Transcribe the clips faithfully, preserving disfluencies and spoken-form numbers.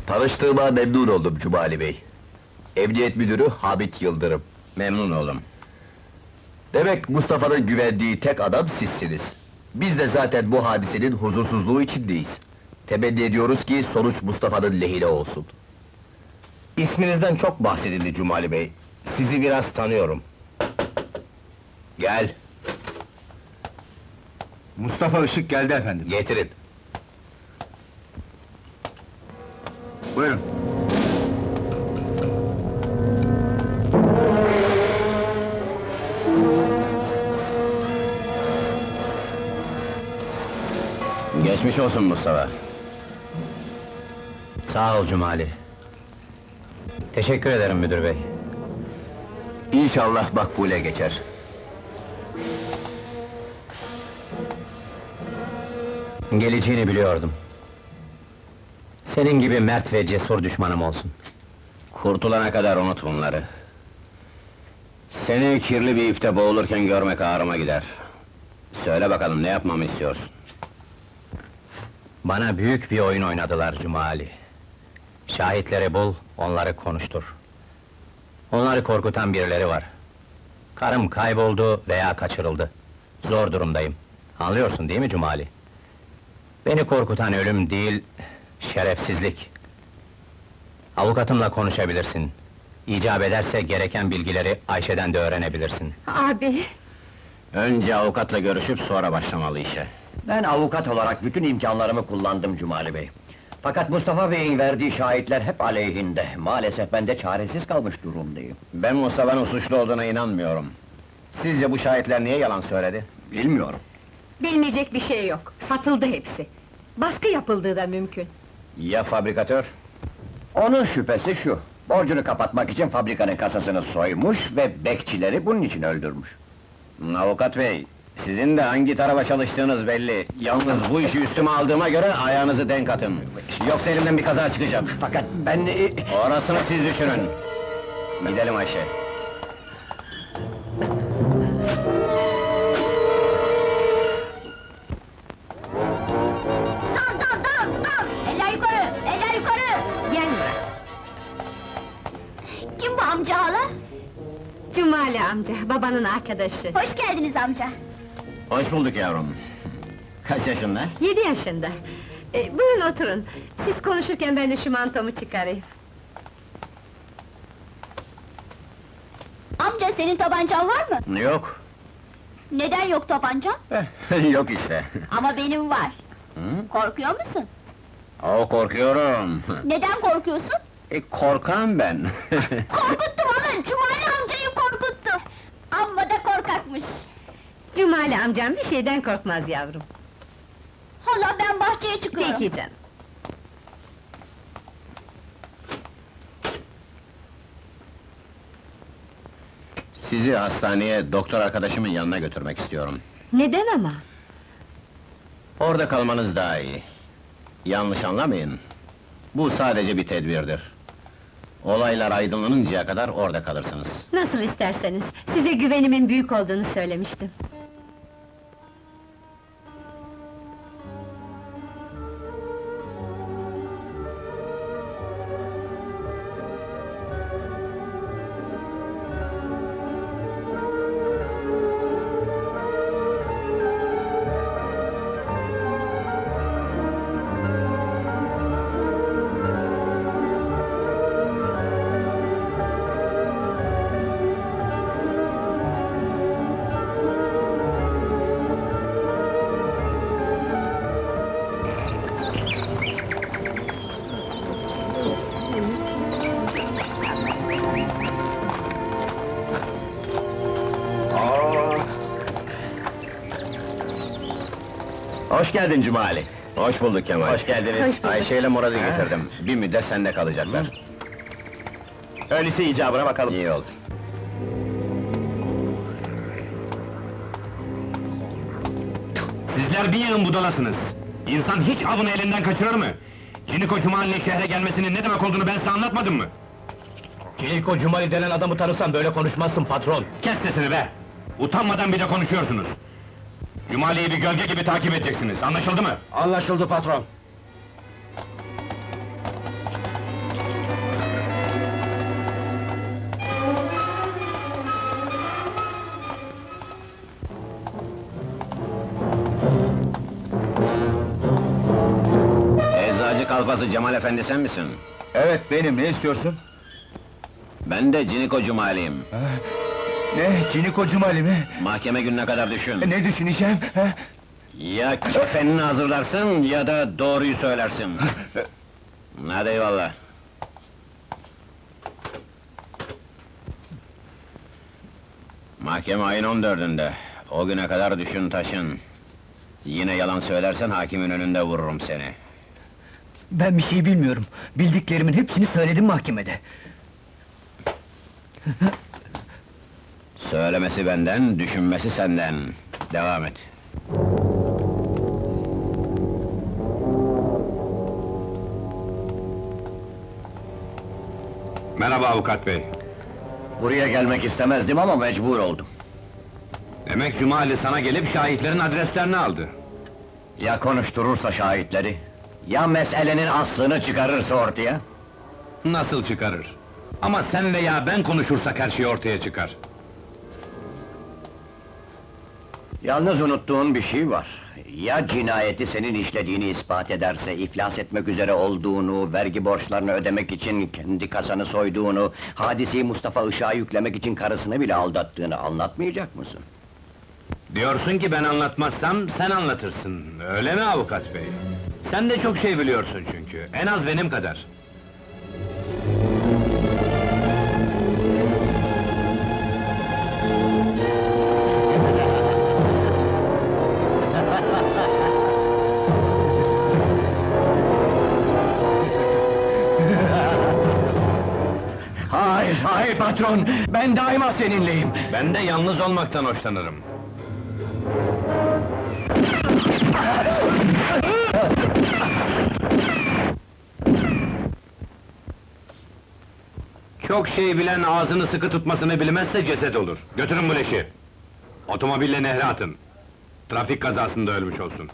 Tanıştığıma memnun oldum Cumali Bey. Emniyet Müdürü Hamit Yıldırım. Memnun oldum. Demek Mustafa'nın güvendiği tek adam sizsiniz. Biz de zaten bu hadisenin huzursuzluğu içindeyiz. Temenni ediyoruz ki sonuç Mustafa'nın lehine olsun. İsminizden çok bahsedildi Cumali Bey. Sizi biraz tanıyorum. Gel, Mustafa Işık geldi efendim. getirin. Buyurun. Geçmiş olsun Mustafa. Sağ ol Cumali. Teşekkür ederim müdür bey. İnşallah makbule geçer. Geleceğini biliyordum. Senin gibi mert ve cesur düşmanım olsun. Kurtulana kadar unut bunları. Seni kirli bir ipte boğulurken görmek ağrıma gider. Söyle bakalım, ne yapmamı istiyorsun? Bana büyük bir oyun oynadılar Cumali. Şahitleri bul, onları konuştur. Onları korkutan birileri var. Karım kayboldu veya kaçırıldı. Zor durumdayım. Anlıyorsun değil mi Cumali? Beni korkutan ölüm değil, şerefsizlik. Avukatımla konuşabilirsin. İcap ederse gereken bilgileri Ayşe'den de öğrenebilirsin. Abi, Önce avukatla görüşüp sonra başlamalı işe. Ben avukat olarak bütün imkanlarımı kullandım Cumali Bey. Fakat Mustafa Bey'in verdiği şahitler hep aleyhinde. Maalesef ben de çaresiz kalmış durumdayım. Ben Mustafa'nın suçlu olduğuna inanmıyorum. Sizce bu şahitler niye yalan söyledi? Bilmiyorum. bilmeyecek bir şey yok. Satıldı hepsi. Baskı yapıldığı da mümkün. Ya fabrikatör? Onun şüphesi şu: borcunu kapatmak için fabrikanın kasasını soymuş ve bekçileri bunun için öldürmüş. Avukat bey, sizin de hangi tarafa çalıştığınız belli. Yalnız bu işi üstüme aldığıma göre ayağınızı denk atın. Yoksa elimden bir kaza çıkacak. Fakat ben... e, Orasını siz düşünün. Gidelim Ayşe. Dal dal dal dal! Eller yukarı, eller yukarı! Gel Murat. Kim bu amca hala? Cumali amca, babanın arkadaşı. Hoş geldiniz amca. Hoş bulduk yavrum. Kaç yaşında? Yedi yaşında. Ee, buyurun oturun. Siz konuşurken ben de şu mantomu çıkarayım. Amca senin tabancan var mı? Yok. Neden yok tabancan? Yok işte. Ama benim var. Hı? Korkuyor musun? O korkuyorum. Neden korkuyorsun? E, korkağım ben. Korkuttum onu, Cumali amcayı korkuttum. Amma da korkakmış. Cumali amcam bir şeyden korkmaz yavrum. Hala ben bahçeye çıkıyorum. Peki canım. Sizi hastaneye doktor arkadaşımın yanına götürmek istiyorum. Neden ama? Orada kalmanız daha iyi. Yanlış anlamayın. Bu sadece bir tedbirdir. Olaylar aydınlanıncaya kadar orada kalırsınız. Nasıl isterseniz, size güvenimin büyük olduğunu söylemiştim. Hoş geldin Cumali. Hoş bulduk Kemal. Hoş geldiniz. Hoş bulduk. Ayşe ile Murat'ı getirdim. Bir müddet sende kalacaklar. Öyleyse icabına bakalım. İyi olur. Sizler bir yığın budalasınız. İnsan hiç avını elinden kaçırır mı? Ciniko Cumali'nin şehre gelmesinin ne demek olduğunu ben size anlatmadım mı? Ciniko Cumali denen adamı tanırsan böyle konuşmazsın patron. Kes sesini be! Utanmadan bir de konuşuyorsunuz. Cumali'yi bir gölge gibi takip edeceksiniz, anlaşıldı mı? Anlaşıldı patron. kalfası Cemal Efendi sen misin? Evet benim, ne istiyorsun? Ben de Ciniko Cumali'yim. Ne, Ciniko Cumali mi? Mahkeme gününe kadar düşün. Ne düşüneceğim? ha? Ya kefenini hazırlarsın ya da doğruyu söylersin. Hadi eyvallah. Mahkeme ayın on dördünde. O güne kadar düşün taşın. Yine yalan söylersen hakimin önünde vururum seni. Ben bir şey bilmiyorum. Bildiklerimin hepsini söyledim mahkemede. Söylemesi benden, düşünmesi senden. Devam et. Merhaba avukat bey. Buraya gelmek istemezdim ama mecbur oldum. Demek Cumali sana gelip şahitlerin adreslerini aldı. Ya konuşturursa şahitleri? Ya meselenin aslını çıkarırsa ortaya? Nasıl çıkarır? Ama sen veya ben konuşursak her şey ortaya çıkar. Yalnız unuttuğun bir şey var. Ya cinayeti senin işlediğini ispat ederse, iflas etmek üzere olduğunu, vergi borçlarını ödemek için kendi kasanı soyduğunu, hadiseyi Mustafa Işık'a yüklemek için karısını bile aldattığını anlatmayacak mısın? Diyorsun ki ben anlatmazsam sen anlatırsın. Öyle mi avukat bey? Sen de çok şey biliyorsun çünkü. En az benim kadar. Hayır, hayır patron! Ben daima seninleyim! Ben de yalnız olmaktan hoşlanırım. Çok şey bilen ağzını sıkı tutmasını bilmezse ceset olur. Götürün bu leşi. Otomobille nehre atın. Trafik kazasında ölmüş olsun.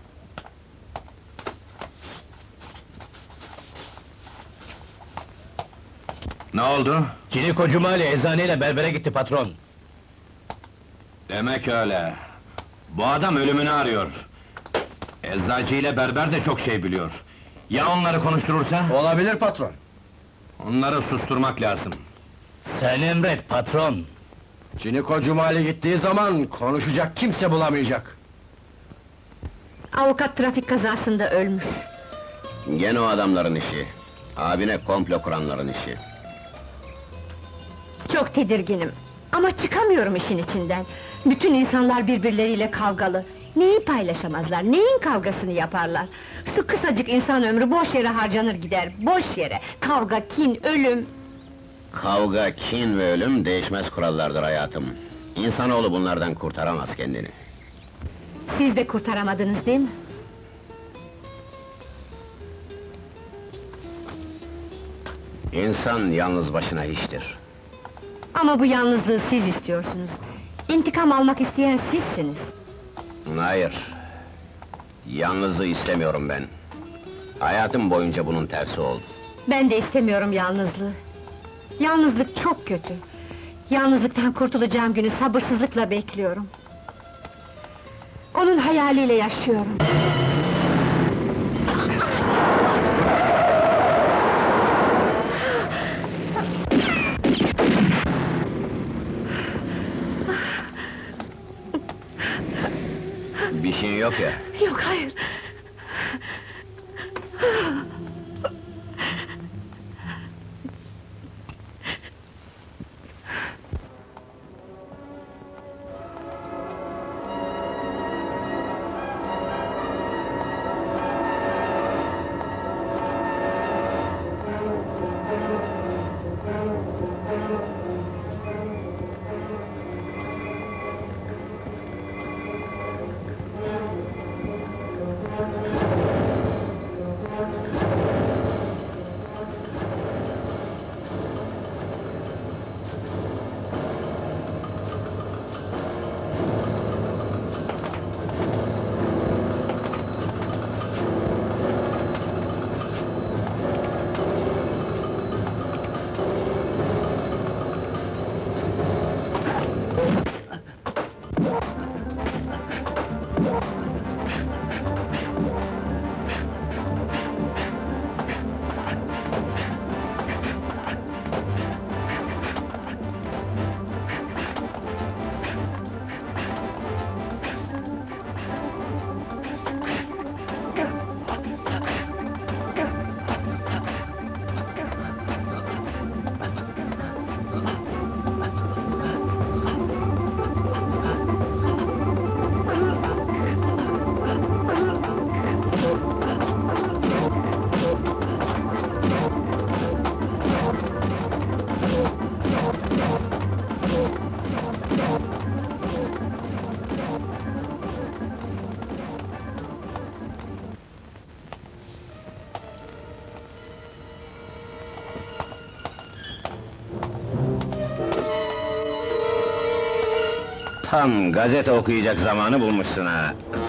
Ne oldu? Ciniko Cumali eczaneyle berbere gitti patron. Demek öyle. Bu adam ölümünü arıyor. Eczacı ile berber de çok şey biliyor. Ya onları konuşturursa? Olabilir patron. Onları susturmak lazım. Sen emret patron. Ciniko Cumali gittiği zaman konuşacak kimse bulamayacak. Avukat trafik kazasında ölmüş. Gene o adamların işi. Abine komplo kuranların işi. Çok tedirginim. Ama çıkamıyorum işin içinden. Bütün insanlar birbirleriyle kavgalı. Neyi paylaşamazlar, neyin kavgasını yaparlar? Şu kısacık insan ömrü boş yere harcanır gider, boş yere! Kavga, kin, ölüm! Kavga, kin ve ölüm değişmez kurallardır hayatım. İnsanoğlu bunlardan kurtaramaz kendini. Siz de kurtaramadınız değil mi? İnsan yalnız başına hiçtir. Ama bu yalnızlığı siz istiyorsunuz. İntikam almak isteyen sizsiniz. Hayır. Yalnızlığı istemiyorum ben. Hayatım boyunca bunun tersi oldu. Ben de istemiyorum yalnızlığı. Yalnızlık çok kötü. Yalnızlıktan kurtulacağım günü sabırsızlıkla bekliyorum. Onun hayaliyle yaşıyorum. Bir şey yok ya. Yok, hayır! Tam gazete okuyacak zamanı bulmuşsun ha.